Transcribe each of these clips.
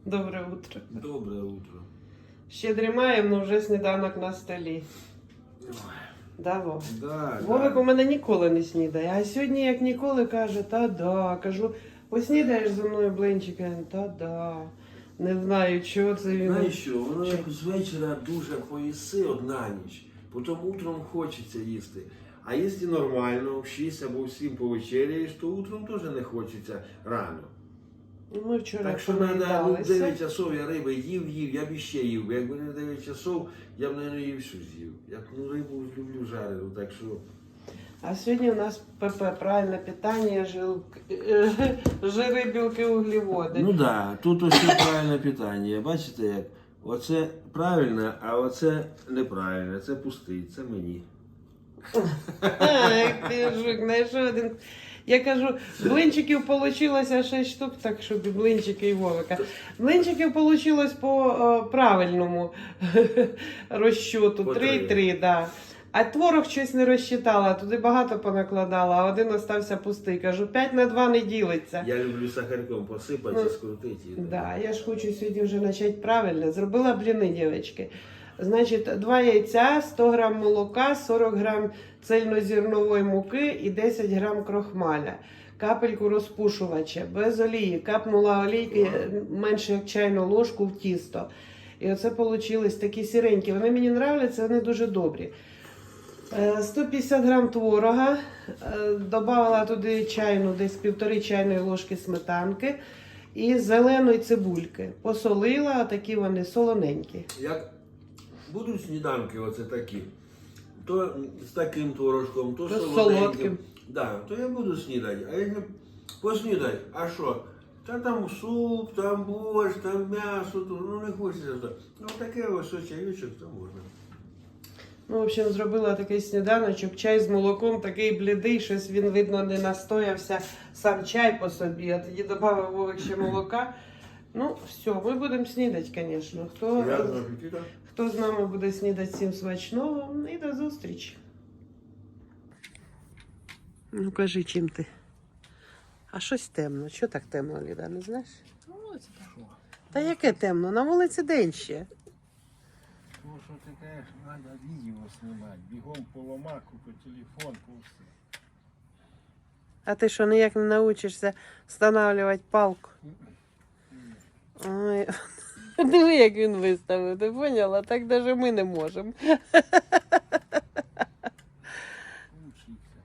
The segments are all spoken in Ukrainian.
Добре утро. Доброе утро. Ще дрімаємо, але вже сніданок на столі. Да, Вов? Да, Вовик да. у мене ніколи не снідає, а сьогодні, як ніколи, каже, та-да. Кажу, поснідаєш зі мною блинчики? Та-да. Не знаю, чого це він. Знаєш що, воно як з вечора дуже поїси на ніч, потім утром хочеться їсти. А якщо нормально, в 6 або в 7 повечеряєш, то утром теж не хочеться рано. Ми вчора Так що треба, ну, в 9 понаїдалися. часов я риби їв, я б іще їв. Якби не 9 часов, я б, мабуть, їв всю з'їв. Я рибу люблю жарену, так що... А сьогодні у нас ПП, правильне питання, жири, білки, углеводи. Ну так, да, тут ось правильне питання. Бачите, як? Оце правильно, а оце неправильно. Це пустий, це мені. Ай, ти жук, знайшов один. Я кажу, блинчиків вийшло 6 штук, так щоб і блинчики, і Вовика. Блинчиків вийшло по правильному розчоту. По 3,3, да. А творог щось не розчитала, туди багато понакладала, а один остався пустий. Кажу, 5 на 2 не ділиться. Я люблю сахарком посипати, скрутити. Да, я ж хочу сьогодні вже почати правильно. Зробила бліни, дівчатки. Значить, 2 яйця, 100 грам молока, 40 грам цельнозернової муки і 10 грам крохмаля. Капельку розпушувача, без олії. Капнула олійки менше як чайну ложку в тісто. І оце вийшли такі сіренькі. Вони мені подобаються, вони дуже добрі. 150 грам творога, додала туди чайну, десь 1,5 чайної ложки сметанки і зеленої цибульки. Посолила, такі вони солоненькі. Як будуть сніданки оце такі, то з таким творожком, то То з солоденьким. солодким. Да, то я буду снідати. А якщо поснідати, а що? Та там суп, там борщ, там м'ясо, то, ну не хочеться. Ну таке ось чайочок, то можна. Ну, в общем, зробила такий сніданочок, чай з молоком, такий блідий, щось він, видно, не настоявся, сам чай по собі, а тоді додав Вовик ще молока. Ну, все, ми будемо снідати, звісно. Приятного апетита. Хто з нами буде снідати, всім смачного і до зустрічі. Ну, кажи, чим ти? А щось темно. Що так темно, Ліда, не знаєш? На вулиці так. Та яке темно? На вулиці день ще. Ну, що ти кажеш, треба відео знімати. Бігом по ломаку, по телефон, по все. А ти що, ніяк не навчишся встановлювати палку? Ой. Диви, як він виставив, ти поняла? Так навіть ми не можемо. Учиться.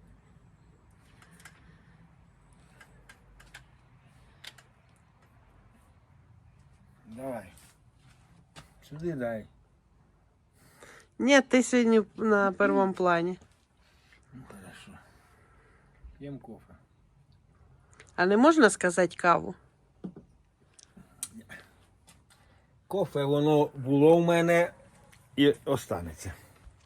Давай. Сюди дай. Ні, ти сьогодні на першому плані. Ну, хорошо. П'ємо кофе. А не можна сказати каву? Кофе воно було в мене і останеться.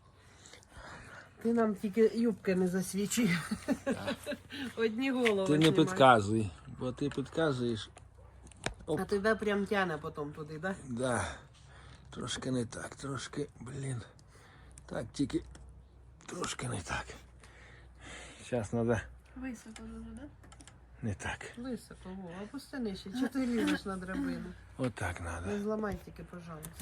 Ти нам тільки юбки не засвічуй. Одні голови Ти не знімай. підказуй, бо ти підказуєш. А тебе прям тяне потім туди, так? Да, трошки не так, трошки, блін. Так, тільки трошки не так. Зараз треба Високо дуже, да? не так. Високо, Вова, опусти нижче. Чи ти лізеш на драбину? Отак Не треба. зламай тільки, пожалуйста.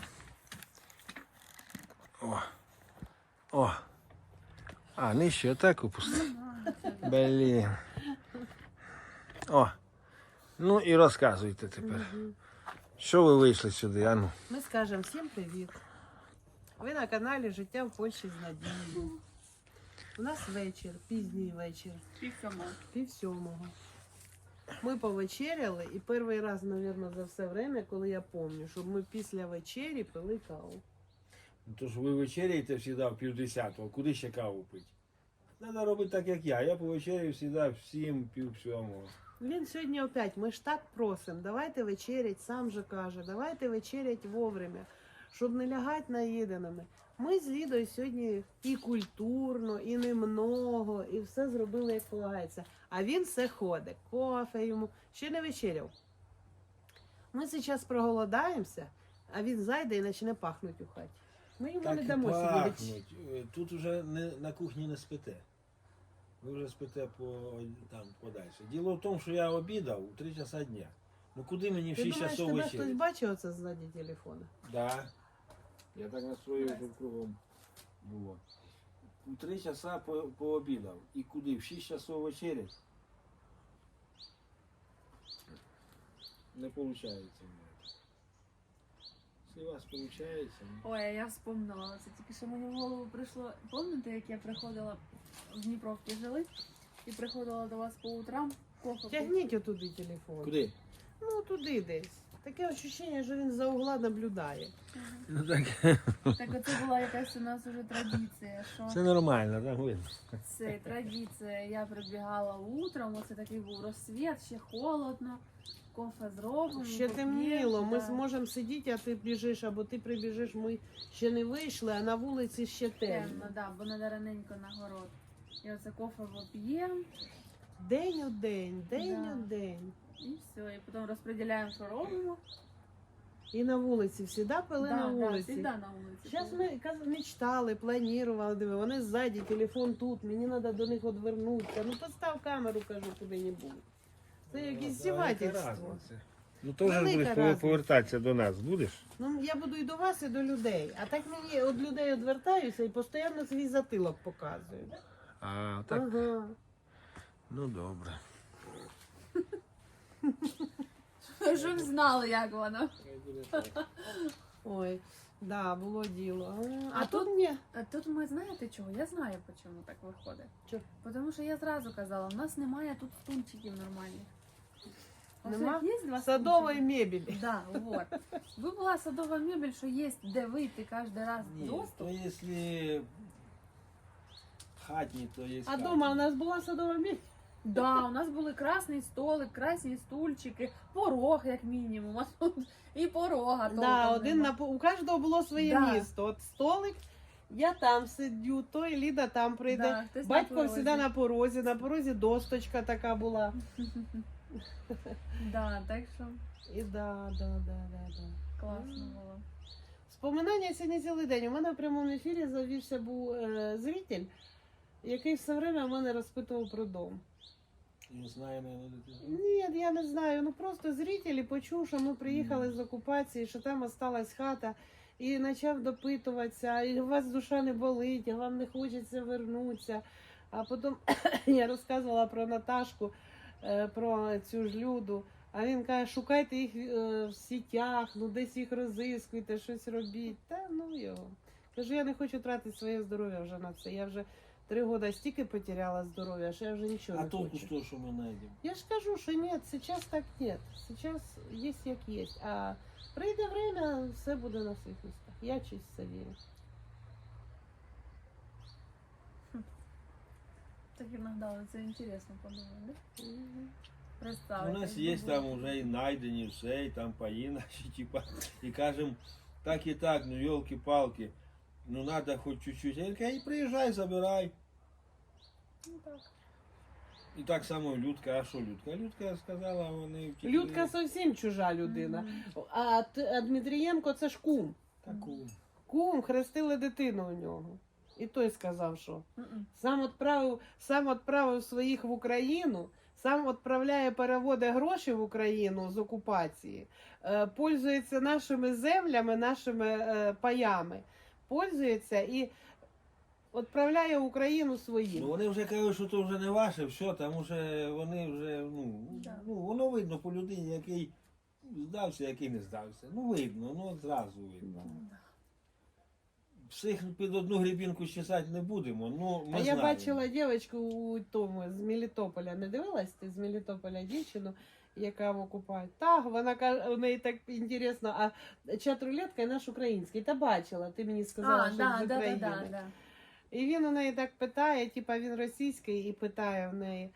О. О. А, нижче отак опусти. Блін. О. Ну і розказуйте тепер. Що ви вийшли сюди, а ну? Ми скажемо всім привіт. Ви на каналі Життя в Польщі з Надією. У нас вечір, пізній вечір, Півсьомого. 6:30. Ми повечеряли і перший раз, мабуть, за все время, коли я пам'ятаю, щоб ми після вечері пили каву. Тож ви вечеряєте завжди в 9:50, куди ще каву пити? Треба робити так, як я. Я повечеряю завжди в 7, 6:30. Він сьогодні опять, ми ж так просимо, давайте вечерять, сам же каже, давайте вечерять вовремя, щоб не лягати наїденими. Ми з Лідою сьогодні і культурно, і немного, і все зробили, як полагається. А він все ходить, кофе йому, ще не вечеряв. Ми зараз проголодаємося, а він зайде і почне пахнути у хаті. Ми йому Так не і дамо сьогодні. пахнуть. Тут вже на кухні не спите. Ви вже спите там подальше. Діло в тому, що я обідав у 3 часа дня. Ну куди мені в Ти 6 думаєш, часов тебе хтось вечері? бачив оце ззаді телефона? Да. Я так настроїв, щоб кругом було. У 3 часа пообідав. І куди? В 6 часов вечері? Не виходить у мене. Якщо у вас виходить, Ой, а я вспомнила. Це тільки що мені в голову прийшло. Пам'ятаєте, як я приходила в Дніпровці жили і приходила до вас по утрам, кофе. Тягніть отуди телефон. куди? Ну, туди десь. Таке відчуття, що він за угла наблюдає. Ну так. Так оце була якась у нас уже традиція, що Це нормально, так видно. це традиція. Я прибігала утром, оце такий був розсвіт, ще холодно, кофе зробимо. Ще поп'ємо, темніло, ми да. зможемо сидіти, а ти біжиш, або ти прибіжиш, ми ще не вийшли, а на вулиці ще темно. Темно, да, бо надо раненько на город. І оце кофе поп'ємо, День у день, день Да. у день. і все. І потім розподіляємо, що робимо. І на вулиці, всі пили на вулиці. завжди на вулиці. Зараз ми мечтали, планували, диви, вони ззаді, телефон тут, мені треба до них відвернутися. Ну постав камеру, кажу, куди-небудь. Це якесь здівательство. Ну теж Велика будеш разниця. повертатися до нас, будеш? Ну, я буду і до вас, і до людей. А так мені від людей відвертаюся і постійно свій затилок показую. А, так. Ага. Ну добре. Щоб знали, як воно. Ой, да, було діло. А А тут ні. А тут ми знаєте чого? Я знаю, чому так виходить. Чого? Тому що я зразу казала, у нас немає тут стульчиків нормальних. Ось Нема? як є два Садової стульчики? мебелі. Да, вот. Ви була садова мебель, що є де вийти кожен раз Ні, доступ. то якщо хатні, то є. А дома у нас була садова мебель. Да, у нас були красний столик, красні стульчики, порог, як мінімум. А тут і порога Да, толком один нема. у кожного було своє Да. місто. От столик, я там сидю, той Ліда там прийде. Да, хтось на Батько порозі. завжди на порозі досточка така була. Да, так що І да. класно було. Споминання сьогодні цілий день. У мене в прямому ефірі завівся був зритель, який все время мене розпитував про дом. Не знаю, наверное, дитина. Ні, я не знаю. Ну просто зритель почув, що ми приїхали з окупації, що там осталась хата, і почав допитуватися, і у вас душа не болить, а вам не хочеться вернутися. А потім я розказувала про Наташку, про цю ж Люду. А він каже, шукайте їх в сітях, ну десь їх розіскуйте, щось робіть. Та ну його. Кажу, я не хочу тратити своє здоров'я вже на це. Я вже 3 роки стільки потеряла здоров'я, що я вже нічого А не толку хочу. з того, що ми знайдемо? Я ж кажу, що ні, зараз так нет. Зараз є як є. А прийде время, все буде на своїх містах. Я чись це вірю. Так іноді це інтересно подумати, да? Мгм. Представити. У нас є там вже і знайдені все, і там паї наші, типа, і кажемо, так і так, ну йолки-палки, ну треба хоч чуть-чуть. Я кажу, приїжджай, забирай. Ну так. І так само Людка, а що Людка? Людка сказала, вони втекли. Людка зовсім чужа людина. Мгм. А Дмитрієнко це ж кум. Таку. Кум, хрестили дитину у нього. І той сказав, що Мгм. сам відправив своїх в Україну, сам відправляє, переводить гроші в Україну з окупації, пользується нашими землями, нашими паями, пользується і відправляє в Україну Ну своїм. вони вже кажуть, що то вже не ваше, все, там вже вони вже, Да. ну воно видно по людині, який здався, який не здався. Ну видно, ну одразу видно. Да. Всіх Під одну грібінку чесати не будемо, ну ми А я знаємо. бачила дівчинку у тому з Мелітополя. Не дивилась ти з Мелітополя дівчину, яка в окупації? Так, вона каже, у неї так інтересно, а чат-рулетка наш український. Та бачила, ти мені сказала, А, що да, з да, України. да, да. І він у неї так питає, типа він російський, і питає в неї,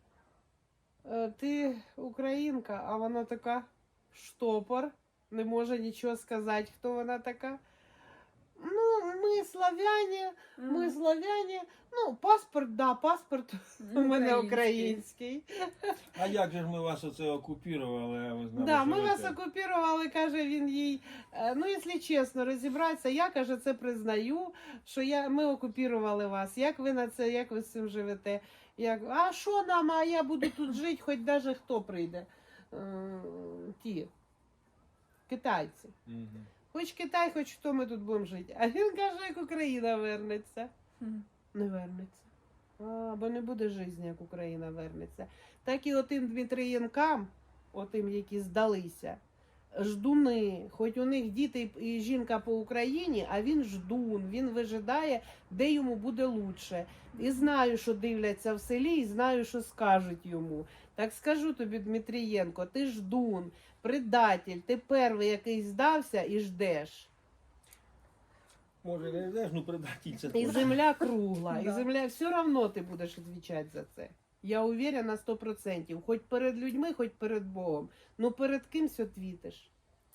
ти українка, а вона така штопор, не може нічого сказати, хто вона така. Ну, ми славяне, ми славяне. Ну, паспорт, да, паспорт у мене український. А як же ж ми вас оце окупували, а ви знали, Да, що ми ви вас це? окупували, каже він їй. Ну, якщо чесно розібратися, я, каже, це признаю, що ми окупували вас. Як ви на це, як ви з цим живете? А що нам, а я буду тут жити, хоч навіть хто прийде. ті китайці. Мгм. Хоч Китай, хоч хто ми тут будемо жити. А він каже, як Україна вернеться. Мгм. Не вернеться. Бо не буде життя, як Україна вернеться. Так і отим Дмитрієнкам, отим, які здалися, ждуни, хоч у них діти і жінка по Україні, а він ждун, він вижидає, де йому буде лучше. І знаю, що дивляться в селі, і знаю, що скажуть йому. Так скажу тобі, Дмитрієнко, ти ждун, предатель, ти перший, який здався і ждеш. Може, не йдеш, ну предатель це І точно. земля кругла, і Да. земля все одно ти будеш відповідати за це. Я уверена 100%. Хоч перед людьми, хоч перед Богом. Ну перед кимсь отвітиш.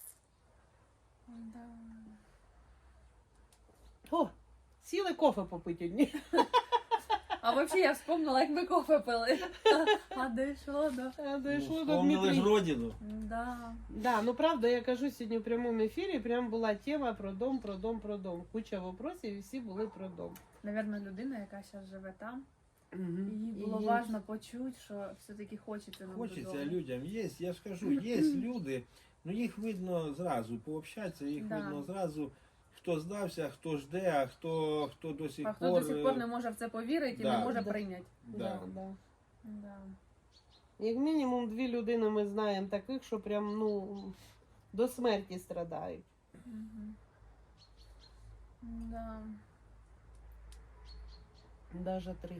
Да. О, сіли кофе попити одні. А взагалі я вспомнила, як ми кофе пили. А дійшло до. Дійшло до Вспомнили ж Дмитрія. родину. Да. Да, ну правда, я кажу сьогодні в прямому ефірі, прям була тема про дом, про дом, про дом. Куча вопросів і всі були про дом. Навірно, людина, яка зараз живе там, їй І було їй- важливо почути, що все-таки хочеться нам Хочеться додому. людям. Є, я ж кажу, є люди, ну їх видно зразу, пообщатися, їх Да. видно зразу, хто здався, хто жде, а хто до сих А пор. хто до сих пор не може в це повірити і Да. не може Да. прийняти. Да, да. Да. Як мінімум 2 людини ми знаємо таких, що прям, ну, до смерті страдають. Мгм. Да. Даже 3.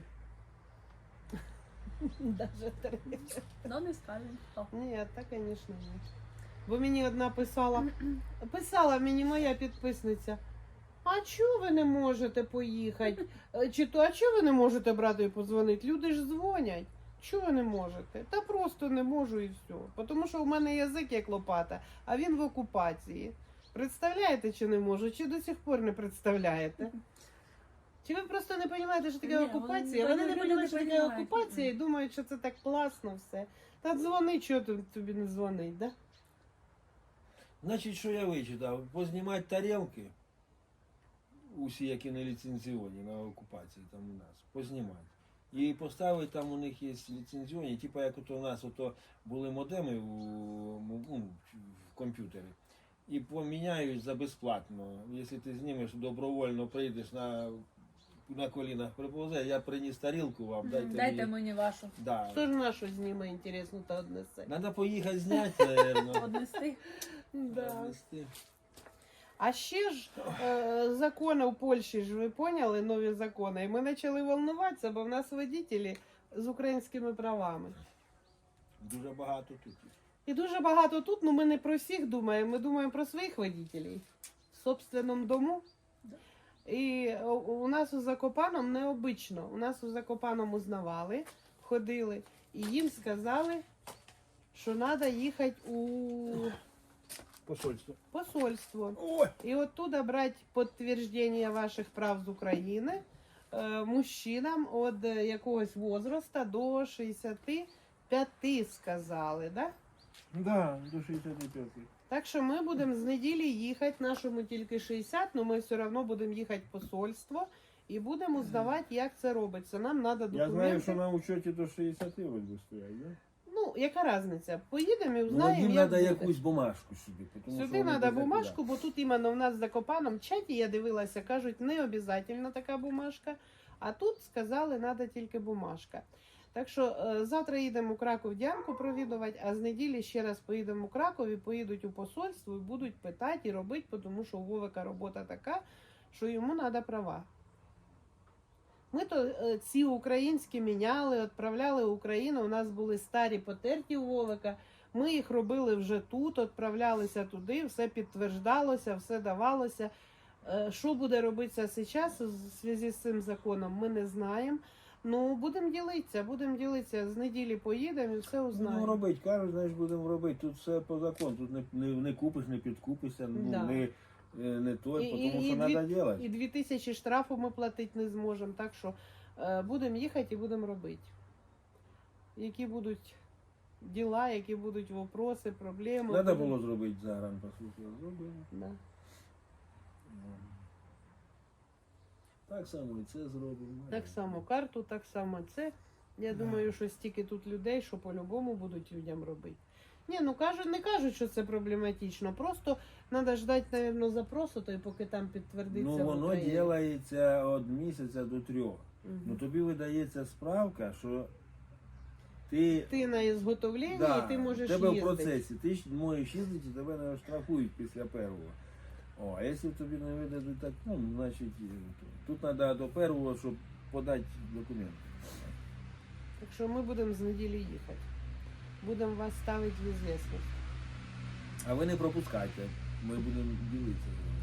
Даже 3. Ну, не скажемо. Хто. Ні, так, звісно, ні. Бо мені одна писала мені моя підписниця. А чого ви не можете поїхати? Чи то, а чого ви не можете брати і подзвонити? Люди ж дзвонять. Чого ви не можете? Та просто не можу і все. Тому що в мене язик як лопата, а він в окупації. Представляєте, чи не можу? Чи до сих пор не представляєте? Чи ви просто не розумієте, що таке Ні, окупація? вони Вони не не розуміють, що таке розуміють. окупація і думають, що це так класно все. Та дзвони, чого тобі не дзвонить, да? Значить, що я вичитав? Познімати тарілки, усі, які не ліцензіоні на окупації там у нас, познімати. І поставити там у них є ліцензіоні, типу як от у нас ото були модеми в комп'ютері. І поміняють за безплатно. Якщо ти знімеш, добровольно прийдеш на колінах приповзе, я приніс тарілку вам, Дайте мені вашу. Да. Хто ж нашу зніме, інтересно, та однесе? Надо поїхати зняти, наверное. Однести. Да. Однести. А ще ж закони в Польщі, ж ви поняли, нові закони. І ми почали волнуватися, бо в нас водителі з українськими правами. Дуже багато тут. І дуже багато тут, ну ми не про всіх думаємо, ми думаємо про своїх водителів в собственному дому. І у нас у Закопаному необично. У нас у Закопаному узнавали, ходили, і їм сказали, що треба їхати у Посольство. посольство. Ой! І оттуда брати підтвердження ваших прав з України мужчинам від якогось возраста до 65 сказали, да? Да, до 65. Так що ми будемо з неділі їхати, нашому тільки 60, але ми все одно будемо їхати в посольство і будемо здавати, як це робиться. Нам треба документи. Я знаю, що на учеті до 60 вроді стоять, да? Ну, яка різниця? Поїдемо і Ну, узнаємо, їм як треба буде. якусь бумажку сюди. Тому що Сюди вони треба без бумажку, бо тут іменно в нас в Закопаном чаті, я дивилася, кажуть, не обов'язково така бумажка, а тут сказали, треба тільки бумажка. Так що завтра їдемо у Краков Діанку провідувати, а з неділі ще раз поїдемо у Краков і поїдуть у посольство і будуть питати і робити, тому що у Вовика робота така, що йому треба права. Ми то ці українські міняли, відправляли в Україну, у нас були старі потерті у Вовика, ми їх робили вже тут, відправлялися туди, все підтверджалося, все давалося. Що буде робитися зараз у зв'язку з цим законом, ми не знаємо. Ну, будемо ділитися, з неділі поїдемо і все Будемо узнаємо. робити, кажуть, знаєш, будемо робити. Тут все по закону, тут не купиш, не підкупишся, ну, Да. не той, І- тому і що треба робити. І 2000 штрафу ми платити не зможемо, так що будемо їхати і будемо робити. Які будуть діла, які будуть вопроси, проблеми. Треба будемо- було зробити загранпаспорт, зробили. Да. Так само і це зробимо. Так само карту, так само це. Я думаю, що стільки тут людей, що по-любому будуть людям робити. Ні, ну кажуть, не кажуть, що це проблематично. Просто треба ждати, мабуть, запросу, то й поки там підтвердиться. Ну в воно Україні. ділається від місяця до 3. Мгм. Ну тобі видається справка, що ти, Ти на ізготовлення да, і ти можеш тебе в їздити. процесі, ти ж можеш їздити, тебе не штрафують після першого. О, а якщо тобі не видадуть так, ну, значить, тут треба до першого, щоб подати документи. Так що ми будемо з неділі їхати. Будемо вас ставити в ізвісність. А ви не пропускайте, ми будемо ділитися.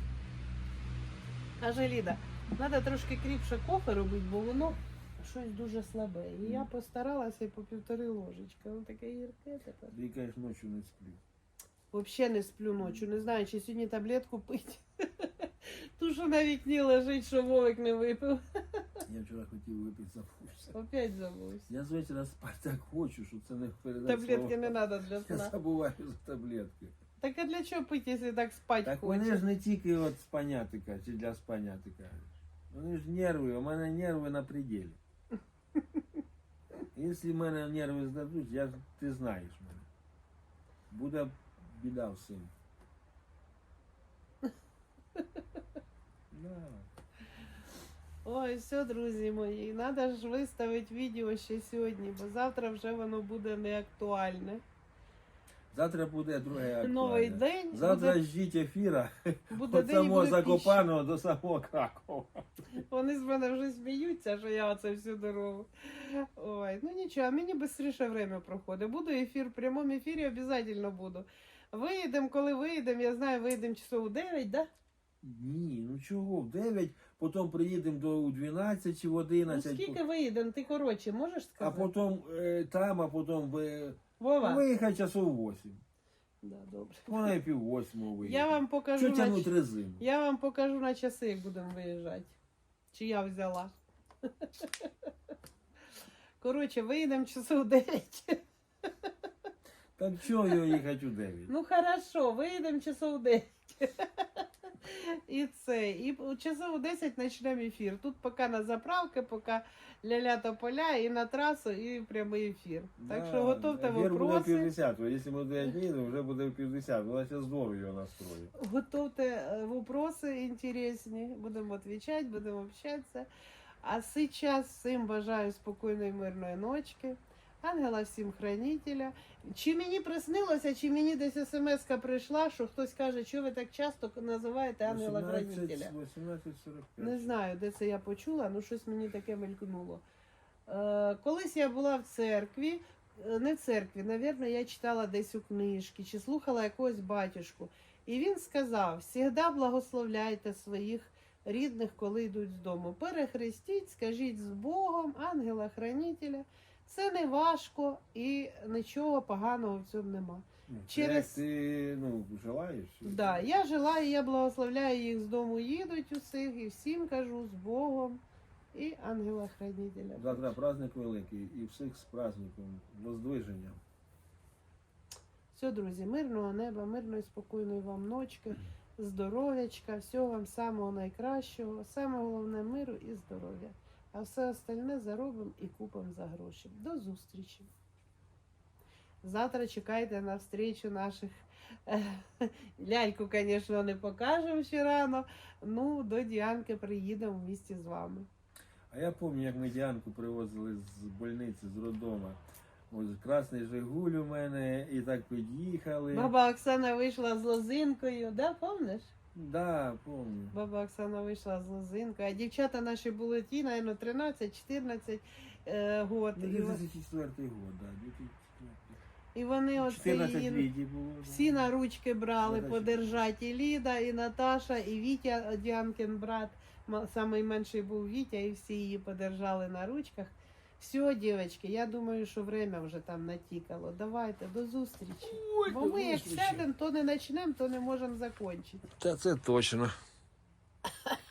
Каже Ліда, треба трошки кріпше кофе робити, бо воно щось дуже слабе. І я постаралася і по 1,5 ложечки. Воно таке гірке тепер. Ти кажеш, ночі не сплю. Взагалі не сплю ночі. Не знаю, чи сьогодні таблетку пити. Ту, що на вікні лежить, що Вовик не випив. Я вчора хотів випити, забувся. Опять забувся. Я з вечора спати так хочу, що це не передати. Таблетки не треба для Я сна. забуваю за таблетки. Так а для чого пити, якщо так спати Так хочеш? вони ж не тільки от спанятика чи для спанятика. Вони ж нерви, у мене нерви на пределі. Якщо в мене нерви здадуть, ти знаєш мене. Буде біда всім. Да. Ой, все, друзі мої, треба ж виставити відео ще сьогодні, бо завтра вже воно буде не актуальне. Завтра буде друге актуальне. Новий день. Завтра ждіть ефіра буде від день і самого буде Закопаного до самого Кракова. піща. Вони з мене вже сміються, що я оце всю дорогу. Ой, ну нічого, мені швидше время проходить. Буду ефір, в прямому ефірі обов'язково буду. Виїдемо, коли виїдемо, я знаю, виїдемо часов у 9, да? Ні, ну чого, в 9, потім приїдемо до 12 чи в Ну 11. скільки виїдемо, ти коротше, можеш А сказати? потім там, а потім Вова? виїхати часов 8. Да, добре. Вона і 7:30 виїде. Я вам покажу, Що тягнуть резину? я вам покажу на часи, як будемо виїжджати. Чи я взяла. Коротше, виїдемо часов 9. Так чого його їхати у 9? Ну хорошо, виїдемо часов 9. І це. І у часов у 10 почнемо ефір. Тут поки на заправки, поки ля-ля тополя, і на трасу, і прямий ефір. Так що готовте Ефір буде в вопроси. 50, якщо ми 9 їдемо, вже буде в 50. Вона зараз здорово його настроїть. Готовте вопроси інтересні. Будемо відповідати, будемо общатися. А зараз всім бажаю спокійної, мирної ночки. Ангела всім хранителя. Чи мені приснилося, чи мені десь смс-ка прийшла, що хтось каже, що ви так часто називаєте ангела хранителя. 18:45. Не знаю, де це я почула, ну щось мені таке мелькнуло. Колись я була в церкві, не в церкві, навірно, я читала десь у книжці, чи слухала якогось батюшку. І він сказав, «Всегда благословляйте своїх рідних, коли йдуть з дому. Перехрестіть, скажіть з Богом, ангела-хранителя». Це не важко і нічого поганого в цьому нема. Ну, це Через- як ти желаєш? Да, я желаю, я благословляю їх з дому, їдуть усіх і всім кажу з Богом і ангела-хранителя. Завтра праздник великий і всіх з праздником, воздвиження. Все, друзі, мирного неба, мирної, спокійної вам ночки, здоров'ячка, всього вам самого найкращого, саме головне миру і здоров'я. А все остальне заробимо і купимо за гроші. До зустрічі. Завтра чекайте на встречу наших. Ляльку, звісно, не покажемо ще рано. Ну, до Діанки приїдемо в місті з вами. А я пам'ятаю, як ми Діанку привозили з больниці, з роддома. Ось красний Жигуль у мене, і так під'їхали. Баба Оксана вийшла з лозинкою, да, помниш? Да, пам'ятаю. Баба Оксана вийшла з лозинкою, а дівчата наші були ті, мабуть, 13-14 год. Ну, 2004 год, да, 2004. І вони оце 14 її літій було. да. всі на ручки брали Ну, подержати. І Ліда, і Наташа, і Вітя, Діанкин брат. Самий менший був Вітя, і всі її подержали на ручках. Все, дівчатки, я думаю, що время вже там натікало. Давайте, до зустрічі. Ой, Бо до ми як зустрічі. сядемо, то не почнемо, то не можемо закінчити. Та це точно.